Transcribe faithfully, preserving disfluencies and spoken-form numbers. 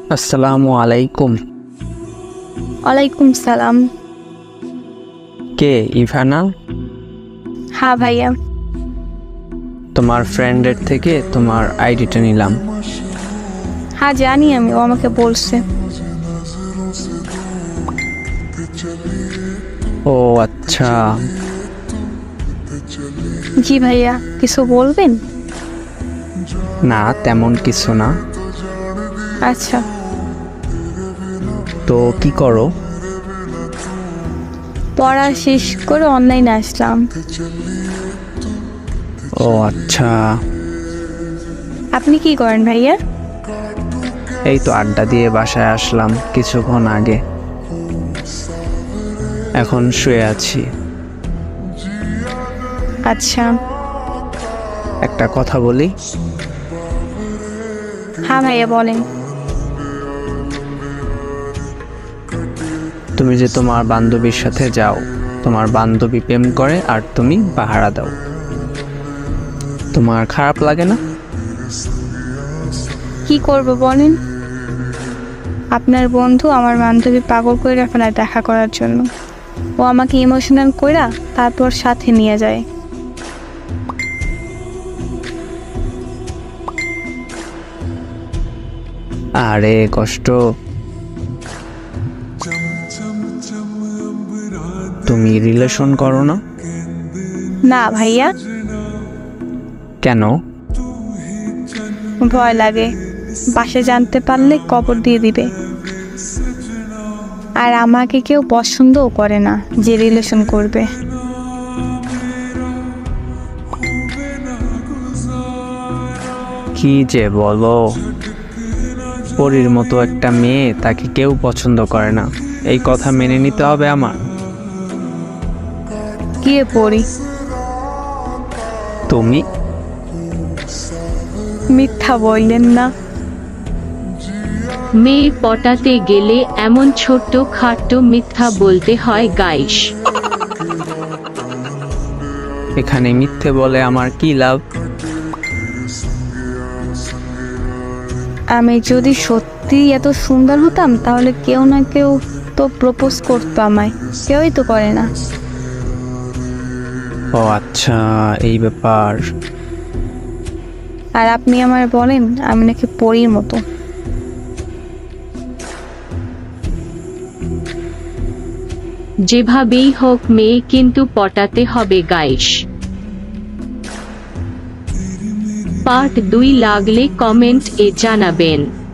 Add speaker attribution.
Speaker 1: আসসালামু আলাইকুম।
Speaker 2: ওয়ালাইকুম সালাম।
Speaker 1: কে ইভানা?
Speaker 2: হ্যাঁ ভাইয়া।
Speaker 1: তোমার ফ্রেন্ডের থেকে তোমার আইডিটা নিলাম।
Speaker 2: হ্যাঁ জানি, আমি ও আমাকে বলছে।
Speaker 1: ও আচ্ছা।
Speaker 2: জি ভাইয়া, কিছু বলবেন?
Speaker 1: না তেমন কিছু না।
Speaker 2: আচ্ছা।
Speaker 1: তো কি করো?
Speaker 2: পড়া শেষ করে অনলাইনে আসলাম।
Speaker 1: ও আচ্ছা।
Speaker 2: আপনি কি করেন ভাইয়া?
Speaker 1: এই তো আড্ডা দিয়ে বাসায় আসলাম কিছুক্ষণ আগে, এখন শুয়ে আছি।
Speaker 2: আচ্ছা।
Speaker 1: একটা কথা বলি?
Speaker 2: হ্যাঁ ভাইয়া বলেন।
Speaker 1: তুমি যে তোমার বান্ধবীর সাথে যাও, তোমার বান্ধবী প্রেম করে আর তুমি পাহারা দাও, তোমার খারাপ লাগে না?
Speaker 2: কি করব বলেন? আপনার বন্ধু আমার বান্ধবী পাগল করে ফেলায় দেখা করার জন্য। ও আমাকে ইমোশনাল কইরা তারপর সাথে নিয়ে যায়।
Speaker 1: আরে কষ্ট। তুমি রিলেশন করো না?
Speaker 2: না ভাইয়া।
Speaker 1: কেন?
Speaker 2: ভয় লাগে, বাসে জানতে পারলে কবর দিয়ে দিবে। আর আমাকে কেউ পছন্দও করে না যে রিলেশন করবে।
Speaker 1: কি যে বলো, পরীর মতো একটা মেয়ে, তাকে কেউ পছন্দ করে না, এই কথা মেনে নিতে হবে আমার?
Speaker 2: কে পড়ি?
Speaker 1: তুমি?
Speaker 2: মিথ্যা বললেন না।
Speaker 3: মেয়ে পটাতে গেলে এমন ছোট্ট খাট্ট মিথ্যা বলতে হয় গাইস।
Speaker 1: এখানে মিথ্যে বলে আমার কি লাভ?
Speaker 2: আমি যদি সত্যি এত সুন্দর হতাম তাহলে কেউ না কেউ তো প্রপোজ করতো আমায়, কেউই তো করে না।
Speaker 1: ও আচ্ছা, এই ব্যাপার।
Speaker 2: আর আপনি আমার বলেন আমি নাকি পরীর মতো।
Speaker 3: যেভাবেই হোক মেয়ে কিন্তু পটাতে হবে গাইস। পার্ট দুই লাগলে কমেন্ট এ জানাবেন।